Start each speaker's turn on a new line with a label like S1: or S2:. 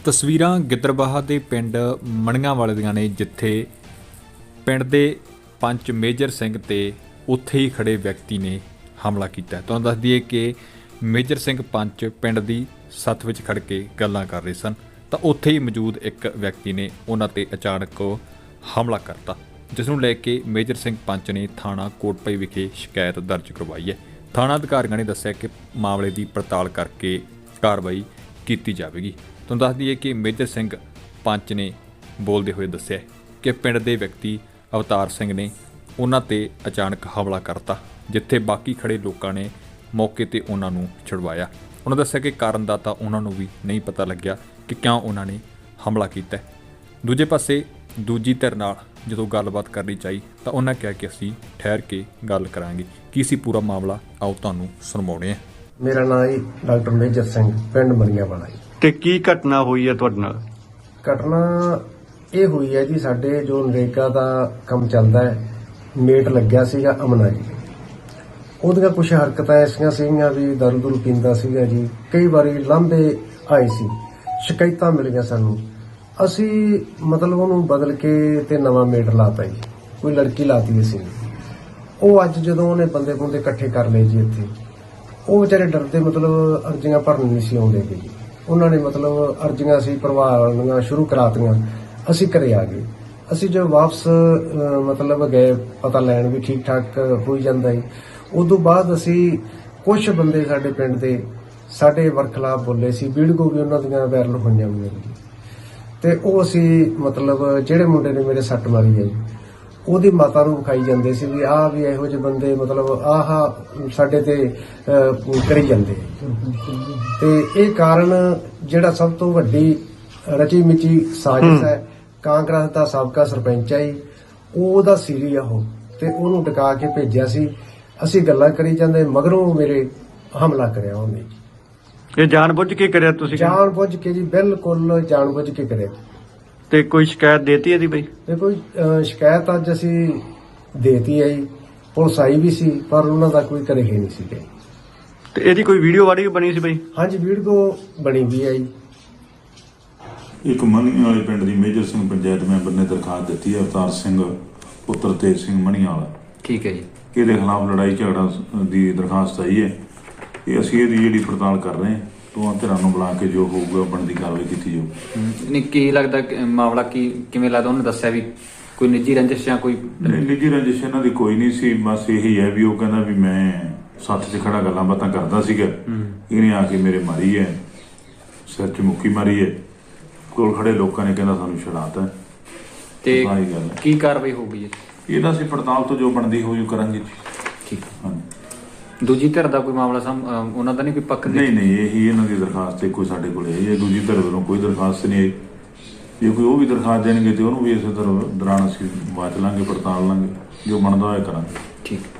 S1: ਤਸਵੀਰਾਂ ਗਿੱਦੜਬਾਹਾ ਦੇ ਪਿੰਡ ਮਣੀਆਂ ਵਾਲੇ ਦੀਆਂ ਨੇ, ਜਿੱਥੇ ਪਿੰਡ ਦੇ ਪੰਚ ਮੇਜਰ ਸਿੰਘ ਤੇ ਉੱਥੇ ਹੀ ਖੜੇ ਵਿਅਕਤੀ ਨੇ ਹਮਲਾ ਕੀਤਾ। ਤੁਹਾਨੂੰ ਦੱਸ ਦਈਏ ਕਿ ਮੇਜਰ ਸਿੰਘ ਪੰਚ ਪਿੰਡ ਦੀ ਸੱਥ ਵਿੱਚ ਖੜ ਕੇ ਗੱਲਾਂ ਕਰ ਰਹੇ ਸਨ ਤਾਂ ਉੱਥੇ ਹੀ ਮੌਜੂਦ ਇੱਕ ਵਿਅਕਤੀ ਨੇ ਉਹਨਾਂ ਤੇ ਅਚਾਨਕ ਹਮਲਾ ਕਰਤਾ, ਜਿਸ ਨੂੰ ਲੈ ਕੇ ਮੇਜਰ ਸਿੰਘ ਪੰਚ ਨੇ ਥਾਣਾ ਕੋਟਪਈ ਵਿਖੇ ਸ਼ਿਕਾਇਤ ਦਰਜ ਕਰਵਾਈ ਹੈ। ਥਾਣਾ ਅਧਿਕਾਰੀਆਂ ਨੇ ਦੱਸਿਆ ਕਿ ਮਾਮਲੇ ਦੀ ਪੜਤਾਲ ਕਰਕੇ ਕਾਰਵਾਈ ਕੀਤੀ ਜਾਵੇਗੀ। ਤੁਹਾਨੂੰ ਦੱਸ ਦਈਏ ਕਿ ਮੇਜਰ ਸਿੰਘ ਪੰਚ ਨੇ ਬੋਲਦੇ ਹੋਏ ਦੱਸਿਆ ਕਿ ਪਿੰਡ ਦੇ ਵਿਅਕਤੀ ਅਵਤਾਰ ਸਿੰਘ ਨੇ ਉਹਨਾਂ ਤੇ ਅਚਾਨਕ ਹਮਲਾ ਕਰਤਾ, ਜਿੱਥੇ ਬਾਕੀ ਖੜੇ ਲੋਕਾਂ ਨੇ ਮੌਕੇ ਤੇ ਉਹਨਾਂ ਨੂੰ ਛੁਡਵਾਇਆ। ਉਹਨਾਂ ਦੱਸਿਆ ਕਿ ਕਾਰਨ ਦਾ ਤਾਂ ਉਹਨਾਂ ਨੂੰ ਵੀ ਨਹੀਂ ਪਤਾ ਲੱਗਿਆ ਕਿ ਕਿਉਂ ਉਹਨਾਂ ਨੇ ਹਮਲਾ ਕੀਤਾ। ਦੂਜੇ ਪਾਸੇ ਦੂਜੀ ਧਿਰ ਨਾਲ ਜਦੋਂ ਗੱਲਬਾਤ ਕਰਨੀ ਚਾਹੀ ਤਾਂ ਉਹਨਾਂ ਕਿਹਾ ਕਿ ਅਸੀਂ ਠਹਿਰ ਕੇ ਗੱਲ ਕਰਾਂਗੇ। ਕੀ ਸੀ ਪੂਰਾ ਮਾਮਲਾ, ਆਓ ਤੁਹਾਨੂੰ ਸੁਣਾਉਂਦੇ ਹਾਂ।
S2: ਮੇਰਾ ਨਾਮ ਹੈ ਡਾਕਟਰ ਮੇਜਰ ਸਿੰਘ, ਪਿੰਡ ਮਰੀਆਂ ਵਾਲਾ ਜੀ।
S3: ਤੇ ਕੀ ਘਟਨਾ ਹੋਈ ਹੈ ਤੁਹਾਡੇ ਨਾਲ?
S2: ਘਟਨਾ ਇਹ ਹੋਈ ਹੈ ਜੀ, ਸਾਡੇ ਜੋ ਨਰੇਗਾ ਦਾ ਕੰਮ ਚੱਲਦਾ ਹੈ, ਮੇਟ ਲੱਗਿਆ ਸੀਗਾ ਅਮਨਾ ਜੀ। ਉਹਦੀਆਂ ਕੁਝ ਹਰਕਤਾਂ ਐਸੀਆਂ ਸੀਗੀਆਂ ਵੀ ਦਾਰੂ ਦੂਰੂ ਪੀਂਦਾ ਸੀਗਾ ਜੀ। ਕਈ ਵਾਰੀ ਲਾਂਭੇ ਆਏ ਸੀ, ਸ਼ਿਕਾਇਤਾਂ ਮਿਲੀਆਂ ਸਾਨੂੰ। ਅਸੀਂ ਮਤਲਬ ਉਹਨੂੰ ਬਦਲ ਕੇ ਤੇ ਨਵਾਂ ਮੇਟ ਲਾਤਾ ਜੀ, ਕੋਈ ਲੜਕੀ ਲਾਤੀ ਸੀ। ਉਹ ਅੱਜ ਜਦੋਂ ਉਹਨੇ ਬੰਦੇ ਬੁੰਦੇ ਇਕੱਠੇ ਕਰ ਲਏ ਜੀ ਇੱਥੇ, ਉਹ ਵਿਚਾਰੇ ਡਰਦੇ ਮਤਲਬ ਅਰਜ਼ੀਆਂ ਭਰਨ ਨਹੀਂ ਸੀ ਆਉਂਦੇ ਜੀ। ਉਹਨਾਂ ਨੇ ਮਤਲਬ ਅਰਜ਼ੀਆਂ ਅਸੀਂ ਭਰਵਾਉਣੀਆਂ ਸ਼ੁਰੂ ਕਰਾਤੀਆਂ। ਅਸੀਂ ਘਰੇ ਆ ਗਏ। ਅਸੀਂ ਜੋ ਵਾਪਸ ਮਤਲਬ ਗਏ ਪਤਾ ਲੈਣ ਵੀ ਠੀਕ ਠਾਕ ਹੋਈ ਜਾਂਦਾ ਜੀ। ਉਦੋਂ ਬਾਅਦ ਅਸੀਂ ਕੁਝ ਬੰਦੇ ਸਾਡੇ ਪਿੰਡ ਦੇ ਸਾਡੇ ਵਰਖਲਾਫ ਬੋਲੇ ਸੀ, ਵੀਡੀਓ ਵੀ ਉਹਨਾਂ ਦੀਆਂ ਵਾਇਰਲ ਹੋਈਆਂ ਹੋਈਆਂ ਜੀ। ਤੇ ਉਹ ਅਸੀਂ ਮਤਲਬ ਜਿਹੜੇ ਮੁੰਡੇ ਨੇ ਮੇਰੇ ਸੱਟ ਮਾਰੀ ਹੈ ਜੀ, ਉਹਦੀ ਮਾਤਾ ਨੂੰ ਵਿਖਾਈ ਜਾਂਦੇ ਸੀ ਵੀ ਆਹ ਵੀ ਇਹੋ ਜਿਹੇ ਬੰਦੇ ਮਤਲਬ ਆਹ ਸਾਡੇ ਤੇ ਕਰੀ ਜਾਂਦੇ। ਤੇ ਇਹ ਕਾਰਨ ਜਿਹੜਾ ਸਭ ਤੋਂ ਵੱਡੀ ਰਚੀ ਮਿਚੀ ਸਾਜ਼ਿਸ਼ ਹੈ, ਕਾਂਗਰਸ ਦਾ ਸਾਬਕਾ ਸਰਪੰਚ ਹੈ ਜੀ, ਉਹਦਾ ਸੀਰੀ ਆ ਉਹ, ਤੇ ਉਹਨੂੰ ਡਕਾ ਕੇ ਭੇਜਿਆ ਸੀ। ਅਸੀਂ ਗੱਲਾਂ ਕਰੀ ਜਾਂਦੇ, ਮਗਰੋਂ ਮੇਰੇ ਹਮਲਾ ਕਰਿਆ ਉਹਨੇ।
S3: ਇਹ ਜਾਣਬੁੱਝ ਕੇ ਕਰਿਆ ਤੁਸੀਂ?
S2: ਜਾਣਬੁੱਝ ਕੇ ਜੀ, ਬਿਲਕੁਲ ਜਾਣਬੁੱਝ ਕੇ ਕਰਿਆ।
S3: ਤੇ ਕੋਈ ਸ਼ਿਕਾਇਤ ਦੇਤੀ ਇਹਦੀ ਬਈ?
S2: ਤੇ ਕੋਈ ਸ਼ਿਕਾਇਤ ਅੱਜ ਅਸੀਂ ਦੇਤੀ ਹੈ ਜੀ, ਪੁਲਿਸ ਆਈ ਵੀ ਸੀ, ਪਰ ਉਹਨਾਂ ਦਾ ਕੋਈ ਕਰੇ ਹੀ ਨਹੀਂ ਸੀ।
S3: ਤੇ ਇਹਦੀ ਕੋਈ ਵੀਡੀਓ ਵਾੜੀ ਬਣੀ ਸੀ ਬਈ?
S2: ਹਾਂਜੀ, ਵੀਡੀਓ ਬਣੀ ਵੀ ਹੈ ਜੀ।
S4: ਇੱਕ ਮਣੀਆਂ ਵਾਲੇ ਪਿੰਡ ਦੀ ਮੇਜਰ ਸਿੰਘ ਪੰਚਾਇਤ ਮੈਂਬਰ ਨੇ ਦਰਖਾਸਤ ਦਿੱਤੀ ਹੈ ਅਵਤਾਰ ਸਿੰਘ ਪੁੱਤਰ ਤੇਜ ਸਿੰਘ ਮਣੀਆਂ ਵਾਲਾ।
S1: ਠੀਕ ਹੈ ਜੀ।
S4: ਇਹਦੇ ਖਿਲਾਫ ਲੜਾਈ ਝਗੜਾ ਦੀ ਦਰਖਾਸਤ ਆਈ ਹੈ। ਇਹ ਅਸੀਂ ਇਹਦੀ ਜਿਹੜੀ ਪੜਤਾਲ ਕਰ ਰਹੇ ਹਾਂ, ਦੋਵਾਂ ਧਿਰਾਂ ਨੂੰ ਬੁਲਾ ਕੇ ਜੋ ਹੋਊਗਾ ਬਣਦੀ ਕਾਰਵਾਈ ਕੀਤੀ ਜਾਊ।
S1: ਨਹੀਂ, ਕੀ ਲੱਗਦਾ ਮਾਮਲਾ ਕਿਵੇਂ ਲੱਗਦਾ? ਉਹਨੇ ਦੱਸਿਆ ਵੀ ਕੋਈ ਨਿੱਜੀ ਰੰਜਿਸ਼ ਜਾਂ ਕੋਈ?
S4: ਨਿੱਜੀ ਰੰਜਿਸ਼ ਇਹਨਾਂ ਦੀ ਕੋਈ ਨਹੀਂ ਸੀ, ਬਸ ਇਹੀ ਹੈ ਵੀ ਉਹ ਕਹਿੰਦਾ ਵੀ ਮੈਂ ਸੱਥ 'ਚ ਖੜਾ ਗੱਲਾਂ ਬਾਤਾਂ ਕਰਦਾ ਸੀਗਾ, ਇਹਨੇ ਆ ਕੇ ਮੇਰੇ ਮਾਰੀ ਹੈ, ਸਿਰ 'ਚ ਮੁੱਕੀ ਮਾਰੀ ਹੈ। ਕੋਲ ਖੜੇ ਲੋਕਾਂ ਨੇ ਕਹਿੰਦਾ ਸਾਨੂੰ ਛਡਾਤਾ।
S1: ਤੇ ਕੀ ਕਾਰਵਾਈ ਹੋਊਗੀ
S4: ਇਹਦਾ ਅਸੀਂ ਪੜਤਾਲ ਤੋਂ ਜੋ ਬਣਦੀ ਹੋਊ ਕਰਾਂਗੇ।
S1: ਠੀਕ।
S4: ਹਾਂਜੀ।
S1: ਦੂਜੀ ਧਿਰ ਦਾ ਕੋਈ ਮਾਮਲਾ ਉਹਨਾਂ ਦਾ ਨਹੀਂ ਕੋਈ ਪੱਖ?
S4: ਨਹੀਂ, ਇਹੀ ਇਹਨਾਂ ਦੀ ਦਰਖਾਸਤ ਕੋਈ ਸਾਡੇ ਕੋਲ ਹੈ। ਇਹ ਦੂਜੀ ਧਿਰ ਵੱਲੋਂ ਕੋਈ ਦਰਖਾਸਤ ਨਹੀਂ ਆਈ। ਜੇ ਕੋਈ ਉਹ ਵੀ ਦਰਖਾਸਤ ਦੇਣਗੇ ਤੇ ਉਹਨੂੰ ਵੀ ਇਸੇ ਦੌਰਾਨ ਅਸੀਂ ਬਾਤ ਲਾਂਗੇ, ਪੜਤਾਲ ਲਾਂਗੇ, ਜੋ ਬਣਦਾ ਹੋਇਆ ਕਰਾਂਗੇ।
S1: ਠੀਕ।